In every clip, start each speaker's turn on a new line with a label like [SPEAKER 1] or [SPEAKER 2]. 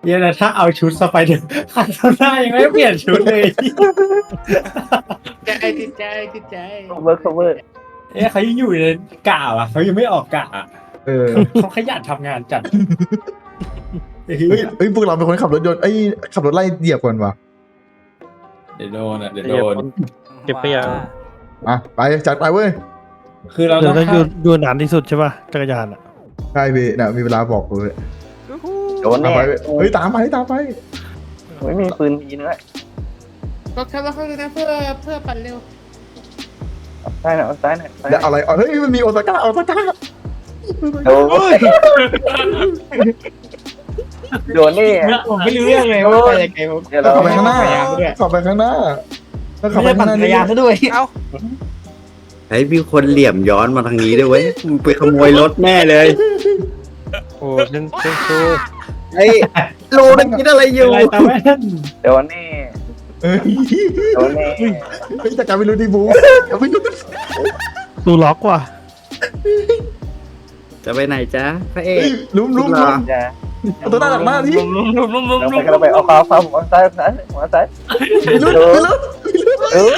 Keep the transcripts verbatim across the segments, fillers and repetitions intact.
[SPEAKER 1] เนี่ยนะถ้าเอาชุดสไปเดอร์คันหน้ายังไม่เปลี่ยนชุดเลย
[SPEAKER 2] ใจติดใจติดใจ
[SPEAKER 3] เวิร์กเวิร์ก
[SPEAKER 1] เอ๊ะเขายังอยู่ในกะอ่ะเขายังไม่ออกกะอ่ะ
[SPEAKER 4] เออ
[SPEAKER 1] เขาขยันทำงานจัด
[SPEAKER 4] เฮ้ยเฮ้ยพวกเราเป็นคนขับรถยนต์ไอ้ยขับรถไล่เหยียบก่อนวะ
[SPEAKER 1] เดี๋ยวโดนอ่ะเดี๋ยว
[SPEAKER 5] เหยี
[SPEAKER 1] โด
[SPEAKER 5] ยบ
[SPEAKER 1] น
[SPEAKER 5] เก็บขยะ
[SPEAKER 4] อ่ะไปจัดไปเว้ย
[SPEAKER 1] คือเรา
[SPEAKER 5] เดี๋
[SPEAKER 1] ต้
[SPEAKER 5] ย
[SPEAKER 1] อ
[SPEAKER 5] ว
[SPEAKER 1] ง
[SPEAKER 5] ต้องอยู่อยู่นานที่สุดใช่ป่ะจักรยานอ่ะ
[SPEAKER 4] ใช่พี่เนี่ยมีเวลาบอกเลย
[SPEAKER 3] โดน
[SPEAKER 4] ตาม
[SPEAKER 3] แน่
[SPEAKER 4] ไปเว้ยเฮ้ยตามไปตามไป
[SPEAKER 3] ไม่มีปืนยิงด้วย
[SPEAKER 2] ก็แค่ว่าเขาเลยนะเพื่อเพื่อปั่นเร็ว
[SPEAKER 3] ซ้ายหน่อยซ้ายหน่อย
[SPEAKER 4] เดี๋ยวเอาอะไรเอาเฮ้ยมันมีโอซาก้าโอซาก้า
[SPEAKER 3] โดนโดนนี่
[SPEAKER 2] ผมไม่รู้เรื่องเลยว่าไปยังไงผม
[SPEAKER 3] เดี๋ยว
[SPEAKER 4] แล้ว
[SPEAKER 3] เรา
[SPEAKER 4] ขับไปข้างหน้าขับไปข้างหน้าแล้วขับ
[SPEAKER 2] ไม่
[SPEAKER 4] ไป
[SPEAKER 2] ได้
[SPEAKER 4] ข้า
[SPEAKER 2] ปั่
[SPEAKER 4] ง
[SPEAKER 2] น
[SPEAKER 4] หน้า
[SPEAKER 2] จักรยานซะด้วยเอ้า
[SPEAKER 6] ไอ้มีคนเหลี่ยมย้อนมาทางนี้ด้วยเว้ยมึงไปขโมยรถแน่เลย
[SPEAKER 5] โอ้เล่นเล่นซู
[SPEAKER 6] ไอ้โลนั่นคิดอะไรอยู่
[SPEAKER 1] อะไรตามแม่น
[SPEAKER 3] โดนนี่
[SPEAKER 4] เฮ้ย
[SPEAKER 3] โดนนี่
[SPEAKER 4] เฮ้ยจักรไม่รู้ดิบูจักรไม่รู้
[SPEAKER 5] ตูล็อกว่ะ
[SPEAKER 6] จะไปไหนจ๊ะพระเอ
[SPEAKER 4] เฮ้
[SPEAKER 6] ก
[SPEAKER 4] ยลุ้มลุ้ม
[SPEAKER 6] เหร
[SPEAKER 4] ลุ้
[SPEAKER 6] อ
[SPEAKER 4] ม
[SPEAKER 3] อย่า
[SPEAKER 4] เอาตัวหน้าหลังหน้าดิ
[SPEAKER 3] เราไปเราไปเอาขวาขวาหัวซ้ายซ้ายหัวซ้าย
[SPEAKER 4] ลุ้มลุ้ม
[SPEAKER 3] เออ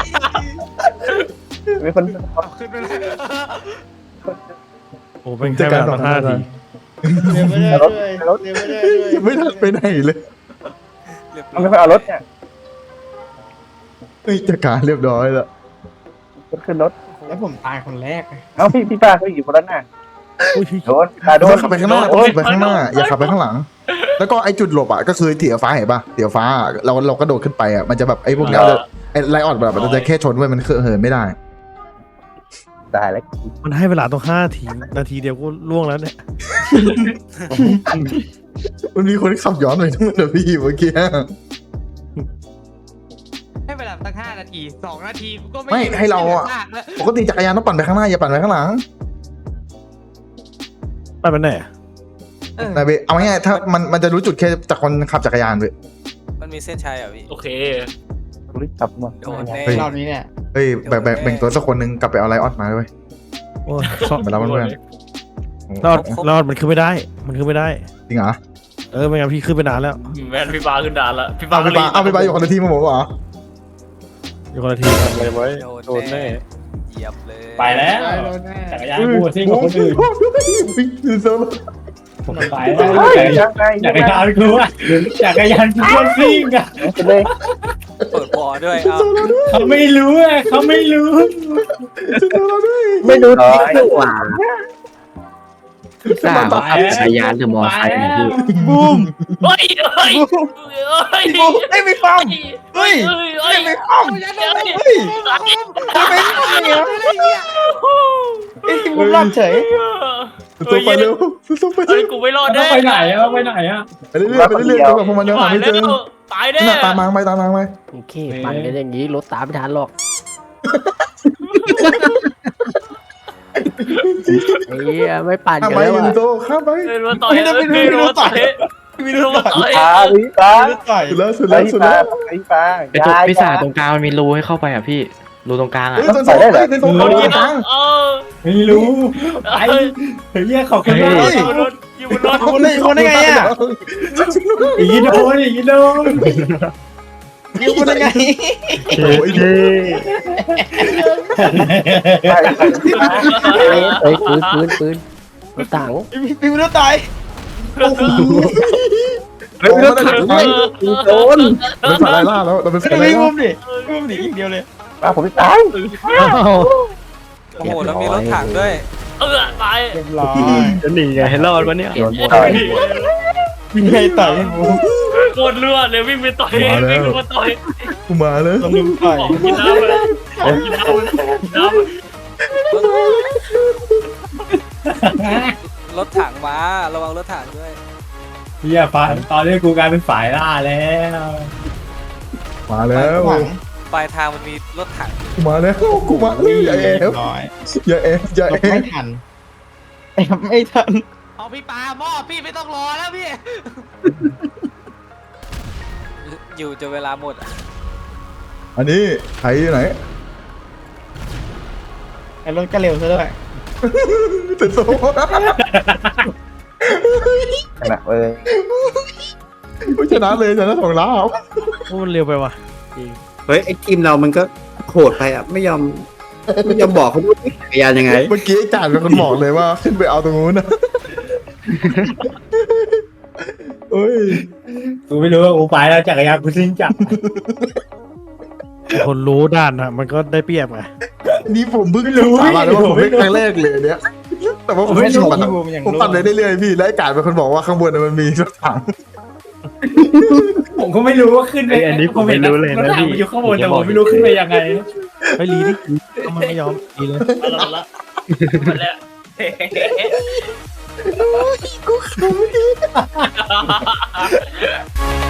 [SPEAKER 3] มีคน
[SPEAKER 2] ขึ้นไปเลย
[SPEAKER 5] โอ้เป็นแค่เวลาตั้งห้าที
[SPEAKER 2] เดี๋ยวไม่ได้ด้วยเดี๋ยวไม่ได้ด้วย
[SPEAKER 4] ไม่ทันไปไหนเลย
[SPEAKER 3] มันไม่ค่อยเอารถเนี่ย
[SPEAKER 4] เฮ้ยจักรเรียบร้อยแล้ว
[SPEAKER 3] ขึ้นรถ
[SPEAKER 2] แล้วผมตายคนแรก
[SPEAKER 3] เอ้าพี่พี่ป้าเขาอยู่คนนั้นน่ะ
[SPEAKER 5] อุ้ย
[SPEAKER 3] โดนตาโด
[SPEAKER 4] ต้อน งขับไปข้างหน้าต้องขับไปข้างหน้าอย่าขับไปข้างหลัง แล้วก็ไอ้จุดหลบอ่ะก็คือเตี๋ยวฟ้าเห็นป่ะเตี๋ยวฟ้าเราเราก็โดดขึ้นไปอ่ะมันจะแบบไอ้พวกเนี้ยไอ้ไลออดแบบมันจะแค่ชนไว้มันเหินไม่ได้
[SPEAKER 3] ตายแล้ว
[SPEAKER 5] มันให้เวลาต้องห้าทีนาทีเดียวก็ล่วงแล้วเนี่ย
[SPEAKER 4] มันมีคนขับย้อนไปทั้งหมดเลยพี่เมื่อกี้
[SPEAKER 2] ให้เวลาตั้งห้านาทีสองนาทีกูก็ไม่
[SPEAKER 4] ไม่ให้เราอ่ะปกติจักรยานต้องปั่นไปข้างหน้าอย่าปั่นไปข้างหลัง
[SPEAKER 5] ไปเป็นไหนอะ
[SPEAKER 4] นายเบเอาง่ายๆถ้ามันมันจะรู้จุดแค่จากคนขับจักรยานเว้ย
[SPEAKER 7] มันมีเส้นชัยเหรอพี่
[SPEAKER 8] โอเค
[SPEAKER 3] รีบกลับมา
[SPEAKER 7] โดนแน่
[SPEAKER 2] รอบนี้เนี่ย
[SPEAKER 4] เฮ้ยแบ่งแบ่งแบ่งตัวสักคนหนึงกลับไปเอาไลออดมาด้วย
[SPEAKER 5] โอ้ยซ่อม
[SPEAKER 4] ไปแล้วเพื่อน
[SPEAKER 5] รอดรอดมันขึ้นไม่ได้ มันขึ้นไม่ได้
[SPEAKER 4] จริงเหรอ
[SPEAKER 5] เออไม่งั้นพี่ขึ้นไปนานแล้ว
[SPEAKER 8] แมนพี่ปาขึ้นดานละพี่ปา
[SPEAKER 4] เอาไปปาเอาไปปาอยู่คนละทีมมาบอกว่า
[SPEAKER 5] อยู่คนละทีกันเลยไว้
[SPEAKER 7] โดนแน่เหยียบเลย
[SPEAKER 1] ไปแล้ว
[SPEAKER 2] ได้แล้วแน่
[SPEAKER 1] จักรยานกูซิ่งกับคนอื่น
[SPEAKER 4] คือโซโล่
[SPEAKER 1] ไปแล้ว
[SPEAKER 3] ยังไง
[SPEAKER 1] จักรยานกูอ่ะจักรยานกูคนซิ่งอ่ะ
[SPEAKER 3] เลย
[SPEAKER 7] เปิดบอร์ด้วยเอา
[SPEAKER 1] เขาไม่รู้อ่ะเขาไม่รู้
[SPEAKER 3] ไม่ดู
[SPEAKER 6] ร้
[SPEAKER 3] ทิ
[SPEAKER 6] อก ย
[SPEAKER 3] อยู่
[SPEAKER 6] กว่าทราบว่าขับจักรยานหรือมอไซค์เนี่ยพี่
[SPEAKER 5] บูม
[SPEAKER 8] เฮ้ยเฮ้ยเฮ้ย
[SPEAKER 2] ไอ้ไม่ฟัง
[SPEAKER 8] เฮ้ยเฮ้ยเฮ้ย
[SPEAKER 2] ไม่ฟังเฮ้ยทำไมไม่เนี่ยไอ้ที่มุมรอดเฉย
[SPEAKER 4] ตัวไปเร็วตัวไป
[SPEAKER 8] เฮ้
[SPEAKER 4] เร็
[SPEAKER 8] ยว กูไม่รอด
[SPEAKER 1] ต้อ
[SPEAKER 8] แน่
[SPEAKER 1] งไปไหนอ่ะไปไหนอ่ะ
[SPEAKER 4] ไปเรื่อยๆไปเรื่อยๆจนแบบพวกมันยังหา
[SPEAKER 8] ตาย
[SPEAKER 4] ไม่เจ
[SPEAKER 8] แล้
[SPEAKER 4] อ
[SPEAKER 8] วตายแน่
[SPEAKER 4] น่ะตามมาไปตามมาไป
[SPEAKER 9] โอเคปั่นกันอย่างนี้รถตามไม่ทันหรอกไอ้เหี้ยไม่ปั่น
[SPEAKER 4] ข้าม
[SPEAKER 9] กัน
[SPEAKER 4] ไป
[SPEAKER 9] แล้ว
[SPEAKER 4] ยู
[SPEAKER 9] อะ
[SPEAKER 4] นิโตข้ามไป
[SPEAKER 8] เดินมาต่อยเดินมาต่อยเดินมาต่อย
[SPEAKER 3] ปลาพี่ปลา
[SPEAKER 2] ต่อย
[SPEAKER 4] สุดแล้วสุด
[SPEAKER 3] ไอ้
[SPEAKER 4] แล้วสุด
[SPEAKER 3] ปลา
[SPEAKER 4] แล้ว
[SPEAKER 3] ไอ้ปลา
[SPEAKER 9] ไอ้ตัวพิศาจตรงกลางมันมีรูให้เข้าไปอ่ะพี่รูตรงกลางอ่ะ
[SPEAKER 4] เฮ้ยตัวสองได้ตัวสองตัวกลาง
[SPEAKER 8] เออ
[SPEAKER 1] ไม่รู้ไปเฮ้ยขอบคุณมาก
[SPEAKER 8] อยู่บนรถอยู่บนรถ
[SPEAKER 2] คนได้คนได้ไงอ่ะ
[SPEAKER 1] อีโดนอีโดน
[SPEAKER 2] ยิงคนได้ไง
[SPEAKER 4] โอ้ยเท่
[SPEAKER 9] เอ้ยปืนปืนปืนรถถัง
[SPEAKER 2] พี่ไม่รู้ตาย
[SPEAKER 4] เฮ้ยเราถังไป
[SPEAKER 6] โดน
[SPEAKER 4] เราเป็นสายไล่ล่าแล้วเราเป็นสายไล่
[SPEAKER 2] พี่มุ
[SPEAKER 4] ล่าม
[SPEAKER 2] ดิมุมดิอีกเดียวเลย
[SPEAKER 3] ปลาผมตาย
[SPEAKER 7] โอ้โหแล้วมีรถถังด้วย
[SPEAKER 8] เออตาย
[SPEAKER 2] เรียบร้อย
[SPEAKER 5] จะหนีไงให้รอดวะเนี่ย
[SPEAKER 9] เปลี่ยนหมด
[SPEAKER 3] ต่อย
[SPEAKER 2] วิ่งไงต่อยพี่มุม
[SPEAKER 8] โคตรเลือดเลยวิ่งไปต่อยวิ่งมาต่อย
[SPEAKER 4] กูมาแล้ว
[SPEAKER 2] ต้องลุมต่อย
[SPEAKER 8] กินน้ำเลยกินน้ำน้ำ
[SPEAKER 7] รถถังมาระวังรถถังด้วย
[SPEAKER 1] เฮียฟ้าตอนนี้กูกลายเป็นฝ่ายล่าแล้ว
[SPEAKER 4] มาแล้ว
[SPEAKER 7] ปลายทางมันมีรถถัง
[SPEAKER 4] กูมาแล้วกูมาแล้วอย่าแอ
[SPEAKER 2] เรีย
[SPEAKER 4] บบ
[SPEAKER 2] ร้อย
[SPEAKER 4] อย่าแอบอย่าแอ
[SPEAKER 2] ไม่
[SPEAKER 4] บ
[SPEAKER 2] ทันแอบไม่ทัน
[SPEAKER 8] เอาพี่ปาหม้อพี่ไม่ต้องรอแล้วพี่
[SPEAKER 7] อยู่จนเวลาหมดอะ
[SPEAKER 4] อันนี้ใครอยู่ไหน
[SPEAKER 2] ไอ้รถก็เร็วซะด้วย
[SPEAKER 4] ติดโซ่
[SPEAKER 3] ขนาดเลย
[SPEAKER 4] ชนะเลยชนะสองล้าน
[SPEAKER 5] โอ้มันเร็วไปว่ะจริง
[SPEAKER 6] เฮ้ยไอ้ทีมเรามันก็โหดไปอ่ะไม่ยอมไม่ยอมบอกเขาด้วยจักรยานยังไง
[SPEAKER 4] เมื่อกี้ไอ้จ่านเป็นคนบอกเลยว่าขึ้นไปเอาตรงนู้นนะเฮ้ย
[SPEAKER 1] กูไม่รู้ว่ากูไปแล้วจักรยานกูซิ่งจักร
[SPEAKER 5] คนรู้ด้านนะมันก็ได้เปรียบไง
[SPEAKER 4] นี่ผมเพิ่งรู้สาบานเลยว่าผมไม่ครั้งแรกเลยเนี้ยแต่ว่าผมไม่ชอบปั่นผมปั่นเลยเรื่อยๆพี่แล้วไอ้จ่านเป็นคนบอกว่าข้างบนน่ะมันมีรถถัง
[SPEAKER 1] ผมก็ไม่รู้ว่าขึ้นไปผมเห็นรถถังมันอยู่ข้างบนแต่ผมไม่รู้ขึ้นไปยังไง
[SPEAKER 5] ไปรีดิมันไม่ยอมรีเลย
[SPEAKER 8] เอาละมาแล้ว
[SPEAKER 1] กูขำ